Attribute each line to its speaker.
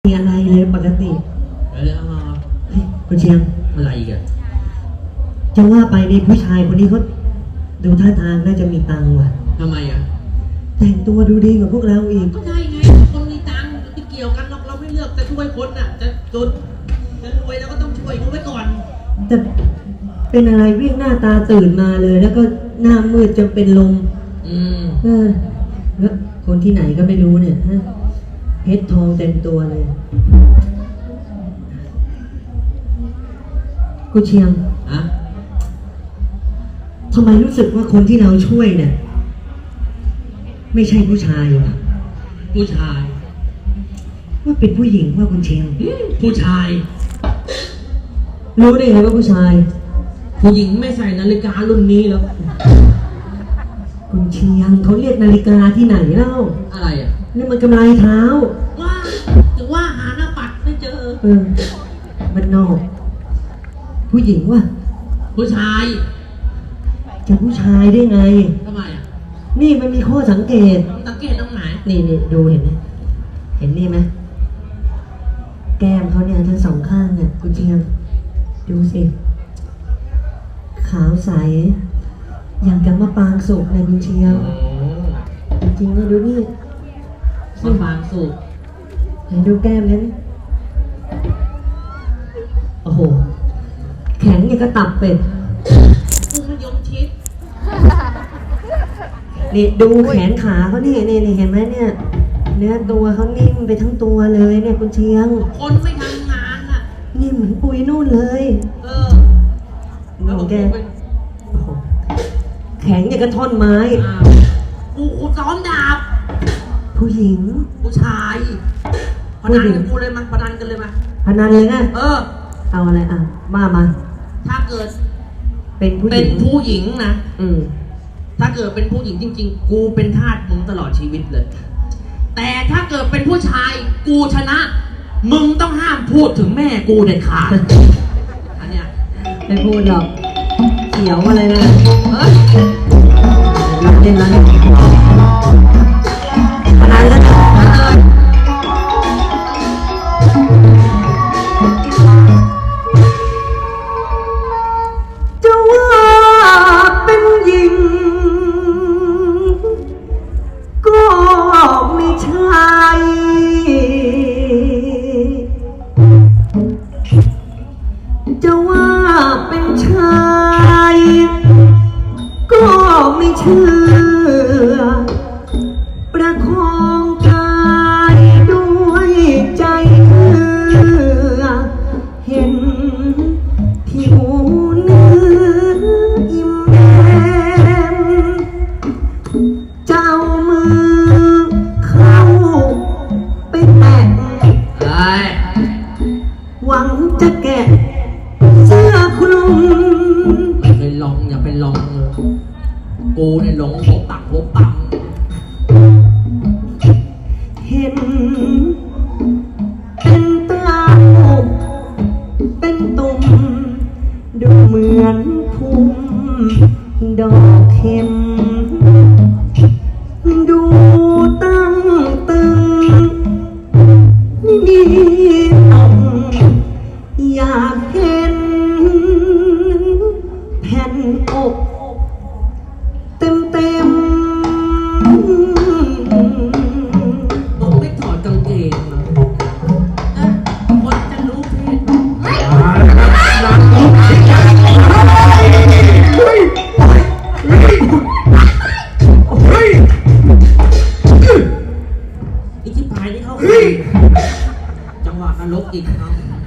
Speaker 1: มีอะไรเลยปกติ
Speaker 2: แล้ว
Speaker 1: คุณเชียง
Speaker 2: อะไรอีกอะ
Speaker 1: จะว่าไปในผู้ชายคนนี้เขาดูท่าทางน่าจะมีตังค์ว่ะ
Speaker 2: ทำไมอะ
Speaker 1: แต่งตัวดูดีกว่าพวกเราอีก
Speaker 2: ก็ใช่ไงคนมีตังค์ไม่เกี่ยวกันหรอกเราไม่เลือกจะช่วยคนน่ะจะจนจะรวยเราก็ต้องช่วยเขาไว้ก่อน
Speaker 1: แต่เป็นอะไรวิ่งหน้าตาตื่นมาเลยแล้วก็หน้ามืดจนเป็นลมแล้วคนที่ไหนก็ไม่รู้เนี่ยฮะเพชรทองเต็มตัวเลยคุณเชียง
Speaker 2: อะ
Speaker 1: ทำไมรู้สึกว่าคนที่เราช่วยเนี่ยไม่ใช่ผู้ชายวะ
Speaker 2: ผู้ชาย
Speaker 1: ว่าเป็นผู้หญิงว่าคุณเชียง
Speaker 2: ผู้ชาย
Speaker 1: รู้ได้ไงว่าผู้ชาย
Speaker 2: ผู้หญิงไม่ใส่นาฬิการุ่นนี้แล้ว
Speaker 1: คุณเชียงเขาเรียกนาฬิกาที่ไหนเล่า
Speaker 2: อะไรอ่ะ
Speaker 1: นี่มันกำไรเท้า
Speaker 2: ว่าถึงว่าหาหน้าปัดไม่เจอ
Speaker 1: มันนอกผู้หญิงว่ะ
Speaker 2: ผู้ชาย
Speaker 1: จะผู้ชายได้ไง
Speaker 2: ทำไมอ่ะ
Speaker 1: นี่มันมีข้อสังเกต
Speaker 2: สังเกตตรงไหน
Speaker 1: นี่ดูเห็นไหมเห็นนี่ไหมแก้มเขาเนี่ยทั้งสองข้างเนี่ยคุณเชียงดูสิขาวใสอย่างกับมะปรางสุกในคุณเชียงจริงๆเนี่ยดูนี่
Speaker 2: มะปรางสุก
Speaker 1: เห็นดูแก้มนั้นโอ้โหแข็งอย่างกระตับเป็ด
Speaker 2: มะยมชิด
Speaker 1: นี่ดูแขนขาเขานี่เห็นไหมเนี่ยเนื้อตัวเขานิ่มไปทั้งตัวเลยเนี่ยคุณเชียง
Speaker 2: คนไม่ทำงานอ่ะ
Speaker 1: นี่เหมือนปุยนู่นเลย
Speaker 2: แล้ว
Speaker 1: แกแข็งอย่างกระท่อนไม้
Speaker 2: กูซ้อมดาบ
Speaker 1: ผู้หญิง
Speaker 2: ผู้ชายพนันกับกูเลยมั้ยพนันกันเลยมั้ย
Speaker 1: พนันเลยไงเอาอะไรมา
Speaker 2: ถ้าเกิด
Speaker 1: เป็นผู้
Speaker 2: หญิงนะถ้าเกิดเป็นผู้หญิงจริงๆกูเป็นทาสมึงตลอดชีวิตเลยแต่ถ้าเกิดเป็นผู้ชายกูชนะมึงต้องห้ามพูดถึงแม่กูเด็ดขาดอันเนี้ย
Speaker 1: ไม่พูดหรอกเขียวอะไรนะเล่นแล้วพนันแล้วจะว่าเป็นหญิงก็ไม่ใช่จะว่าเป็นชายก็ไม่เชื่อประคองกายด้วยใจเชื่อเห็นผิวเนื้ออิ่มแย้มเจ้ามือเข้าไปแตะหวังจะแกะเสื้อคลุม
Speaker 2: อย่าไปลองเลยกูเนี่ยหลงพบตัง
Speaker 1: เห็นเป็นตาเป็นตุ่มดูเหมือนพุ่มดอกเข็มดูตั้งตึงนี่ต้องอยากเห็นแผ่นอกเต็ม
Speaker 2: มึงไม่ถอดกางเกงเหรอคนจะรู้เพศอีกที่ปลายนี่เขาจังหวะนรกอีกครับ